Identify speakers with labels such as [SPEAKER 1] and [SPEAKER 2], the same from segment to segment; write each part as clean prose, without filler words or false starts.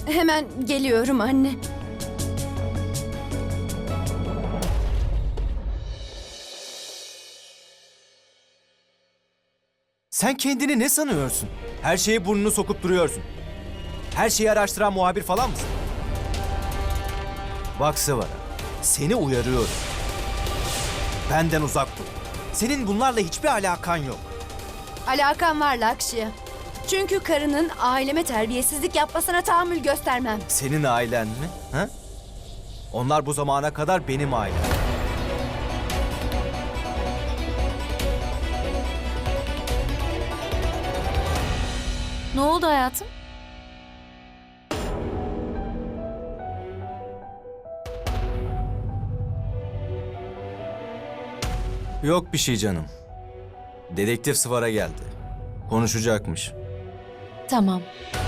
[SPEAKER 1] Hemen geliyorum anne.
[SPEAKER 2] Sen kendini ne sanıyorsun? Her şeye burnunu sokup duruyorsun. Her şeyi araştıran muhabir falan mısın? Bak Sıvara, seni uyarıyorum. Benden uzak dur. Senin bunlarla hiçbir alakan yok.
[SPEAKER 1] Alakam var Lakşya. Çünkü karının aileme terbiyesizlik yapmasına tahammül göstermem.
[SPEAKER 2] Senin ailen mi? Ha? Onlar bu zamana kadar benim ailem.
[SPEAKER 3] Ne oldu hayatım?
[SPEAKER 2] Yok bir şey canım. Dedektif Sıvara geldi. Konuşacakmış.
[SPEAKER 3] Tamam.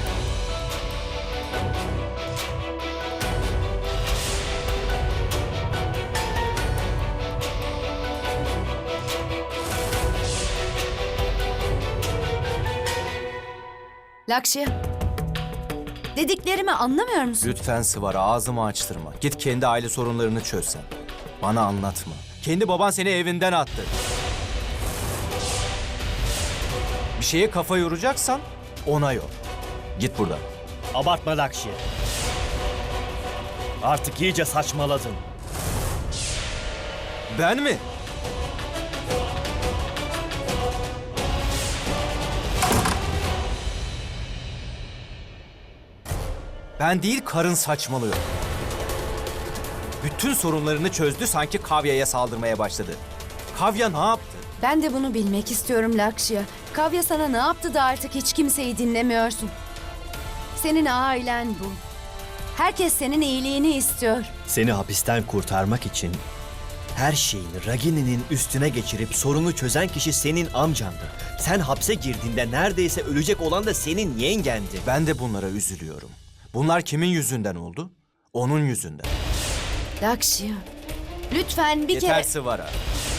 [SPEAKER 1] Lakşya. Dediklerimi anlamıyor musun?
[SPEAKER 2] Lütfen Sıvara, ağzımı açtırma. Git kendi aile sorunlarını çöz sen. Bana anlatma. Kendi baban seni evinden attı. Bir şeye kafa yoracaksan ona yor. Git buradan.
[SPEAKER 4] Abartma Lakşi. Artık iyice saçmaladın.
[SPEAKER 2] Ben mi? Ben değil, karın saçmalıyor. Bütün sorunlarını çözdü, sanki Kavya'ya saldırmaya başladı. Kavya ne yaptı?
[SPEAKER 1] Ben de bunu bilmek istiyorum Lakşya. Kavya sana ne yaptı da artık hiç kimseyi dinlemiyorsun? Senin ailen bu. Herkes senin iyiliğini istiyor.
[SPEAKER 4] Seni hapisten kurtarmak için her şeyini Ragini'nin üstüne geçirip sorunu çözen kişi senin amcandı. Sen hapse girdiğinde neredeyse ölecek olan da senin yengendi.
[SPEAKER 2] Ben de bunlara üzülüyorum. Bunlar kimin yüzünden oldu? Onun yüzünden.
[SPEAKER 1] Lakşya, lütfen bir
[SPEAKER 2] Yeter
[SPEAKER 1] kere...
[SPEAKER 2] Sıvara.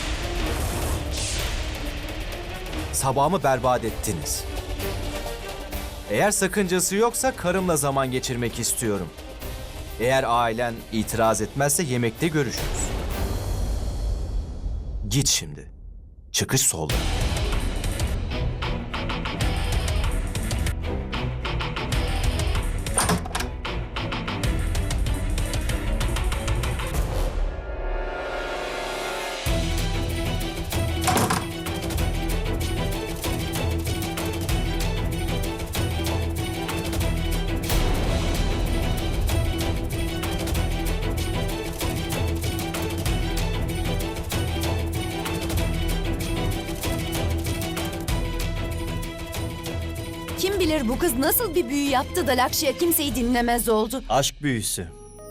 [SPEAKER 2] Sabahımı berbat ettiniz. Eğer sakıncası yoksa karımla zaman geçirmek istiyorum. Eğer ailen itiraz etmezse yemekte görüşürüz. Git şimdi. Çıkış solda.
[SPEAKER 1] Kim bilir bu kız nasıl bir büyü yaptı da Lakşya kimseyi dinlemez oldu.
[SPEAKER 4] Aşk büyüsü.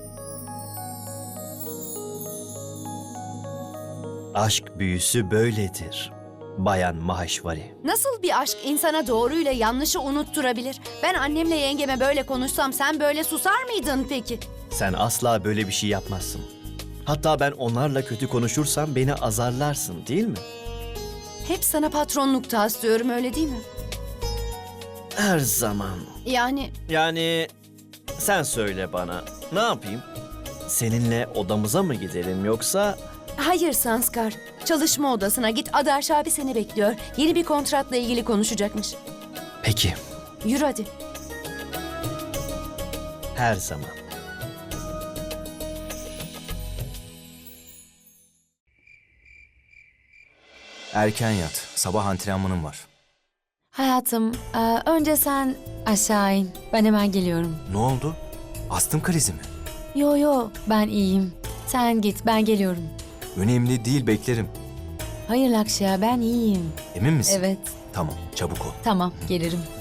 [SPEAKER 4] Aşk büyüsü böyledir. Bayan Maheshwari.
[SPEAKER 1] Nasıl bir aşk insana doğruyla yanlışı unutturabilir? Ben annemle yengeme böyle konuşsam sen böyle susar mıydın peki?
[SPEAKER 4] Sen asla böyle bir şey yapmazsın. Hatta ben onlarla kötü konuşursam beni azarlarsın, değil mi?
[SPEAKER 1] Hep sana patronluk taslıyorum, öyle değil mi?
[SPEAKER 4] Her zaman.
[SPEAKER 1] Yani
[SPEAKER 4] Sen söyle bana. Ne yapayım? Seninle odamıza mı gidelim yoksa...
[SPEAKER 1] hayır Sanskar. Çalışma odasına git. Adarş abi seni bekliyor. Yeni bir kontratla ilgili konuşacakmış.
[SPEAKER 4] Peki.
[SPEAKER 1] Yürü hadi.
[SPEAKER 4] Her zaman.
[SPEAKER 2] Erken yat. Sabah antrenmanım var.
[SPEAKER 3] Hayatım, önce sen aşağı in. Ben hemen geliyorum.
[SPEAKER 2] Ne oldu? Astım krizi mi?
[SPEAKER 3] Yo, ben iyiyim. Sen git, ben geliyorum.
[SPEAKER 2] Önemli değil, beklerim.
[SPEAKER 3] Hayır Lakşya, ben iyiyim.
[SPEAKER 2] Emin misin?
[SPEAKER 3] Evet,
[SPEAKER 2] Tamam, çabuk ol.
[SPEAKER 3] tamam, gelirim.